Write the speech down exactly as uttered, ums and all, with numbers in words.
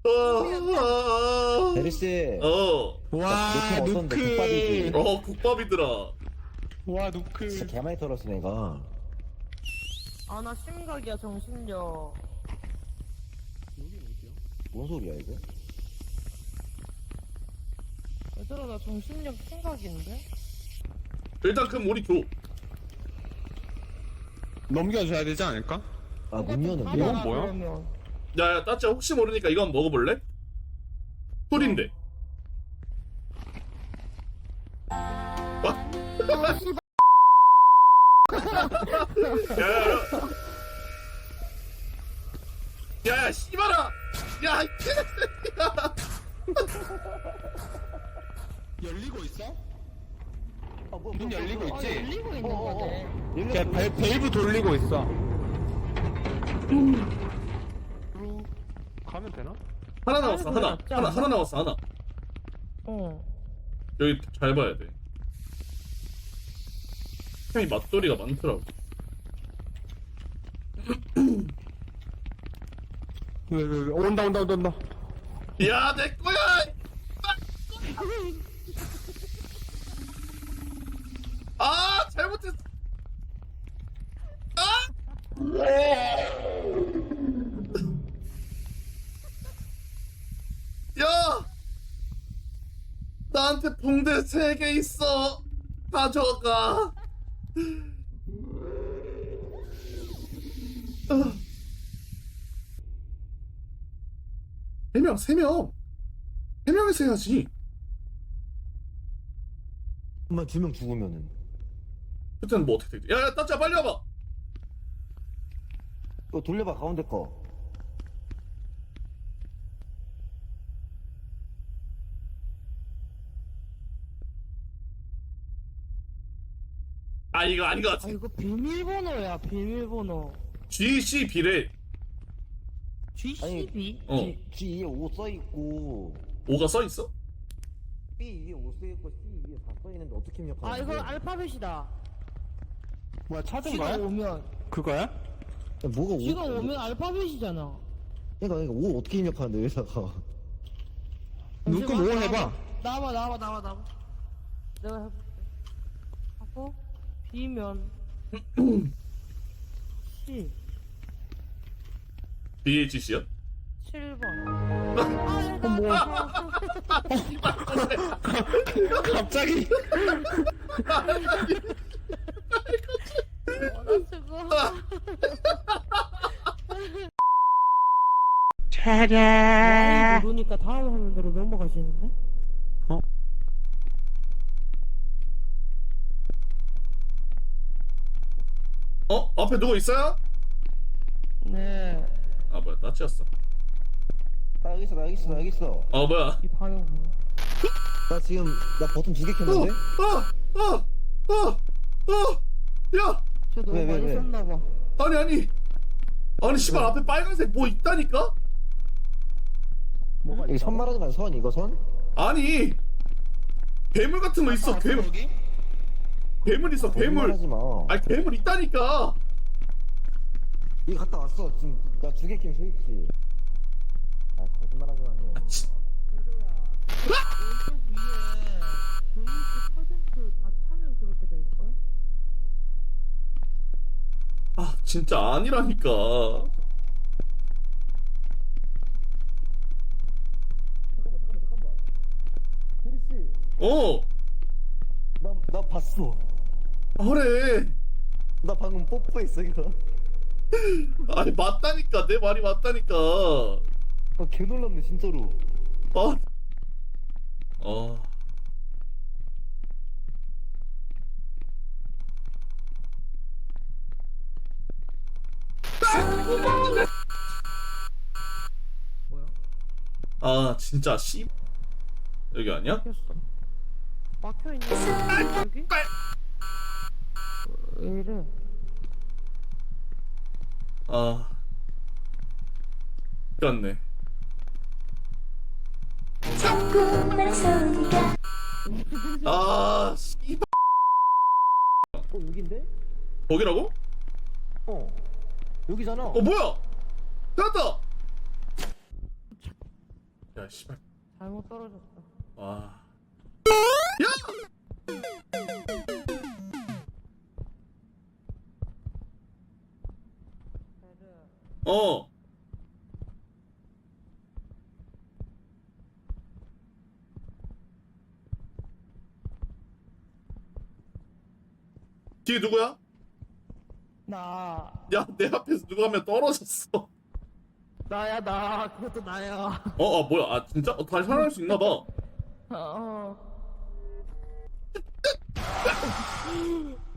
아, 베리씨. 어, 와 노크 어떤데? 국밥이지. 노크. 어, 국밥이더라. 와 진짜 노크. 개많이 털었어 내가. 아 나 심각이야 정신력. 뭔 소리야 이거? 얘들아 나 정신력 심각인데? 일단 그럼 우리 줘. 넘겨줘야 되지 않을까? 아 문 여는 이건 거? 뭐야? 그러면. 야, 야, 따짜 혹시 모르니까 이거 한번 먹어볼래? 꿀인데. 야, 야, 야. 야, 야, 씨발아! 야, 이 개새끼야! 열리고 있어? 아, 뭐, 문 열리고 아 있지? 열리고 있는 어, 어, 어. 거네. 열렸어. 걔 밸, 밸브 돌리고 있어. 그리고 가면 되나? 하나 남았어, 하나. 낫지 하나, 않나? 하나 남았어, 하나. 어. 여기 잘 봐야 돼. 형이 맛돌이가 많더라고. 왜, 왜, 왜. 온다 온다 온다 온다. 야, 내 거야! 아, 잘못했어. 아! 야! 나한테 붕대 세 개 있어. 가져가. 세 명, 세 명. 세 명에서 해야지. 엄마 두 명 죽으면은. 그때는 뭐 어떻게 되지? 야, 야, 따짜 빨리 와봐. 이거 돌려봐 가운데 거. 아, 이거 아닌 것 아 같아. 이거 비밀번호야 비밀번호. 지씨비래. 지씨비? 어. G G 위에 오 써 있고 오가 써 있어? B 위에 오 써 있고 C 위에 다 써 있는데 어떻게 입력하는 아 이건 알파벳이다. 뭐야 찾은 G가 거야? 오면 그거야? 뭐가 오? G가 오면 알파벳이잖아. 그러니까 이거 오 어떻게 입력하는데 여기다가? 눈금 오 해봐. 나와봐 나와봐 나와봐 나와봐. 내가 해볼게. 하고 B면 C 비에이치씨야? 칠 번. 아 뭐야? 갑자기. 차례. 모르니까 다음 화면으로 넘어가시는데? 어? 어? 앞에 누구 있어요? 네. 아, 뭐야, 따치였어. 나 여기 있어 나 여기 있어 나 여기 있어. 어, 뭐야. 이 반응 뭐야? 나 지금 나 버튼 두 개 어, 켰는데? 어, 어, 어, 어, 야! 쟤 너무 왜, 왜, 많이 왜? 썼나봐. 아니, 아니. 아니, 씨발, 앞에 빨간색 뭐 있다니까? 뭐가 여기 선 말하는 거야 선 이거 선? 아니. 괴물 같은 거 있어, 괴물. 여기? 괴물 있어, 괴물. 거짓말하지 마. 아니, 괴물 있다니까. 이거 갔다 왔어 지금 나 두 개 켜면 서 있지. 아 거짓말하지 마. 아, 치. 왼쪽 위에 데미지 퍼센트 다 차면 그렇게 될걸? 아, 진짜 아니라니까. 잠깐만 잠깐만 잠깐만. 대리 씨, 어, 나 나 봤어. 그래. 나 방금 뽀뽀했어 이거. 아니, 맞다니까. 내 말이 맞다니까. 아, 개 놀랍네 진짜로. 아, 어. 뭐야? 아, 진짜 씨. 여기 아니야? 막혔어. 막혀있네. 여기? 왜 이래? 아, 그렇네. 아, 씨. 어 여긴데? 거기라고? 어 여기잖아. 어, 뭐야? 찾았다. 야 씨발. 잘못 떨어졌다. 와. 베르. 어. 뒤에 누구야? 나. 야, 내 앞에서 누가 한 명 떨어졌어. 나야 나. 그것도 나야. 어, 아 뭐야? 아 진짜? 어, 다시 살아날 수 있나 봐. 어.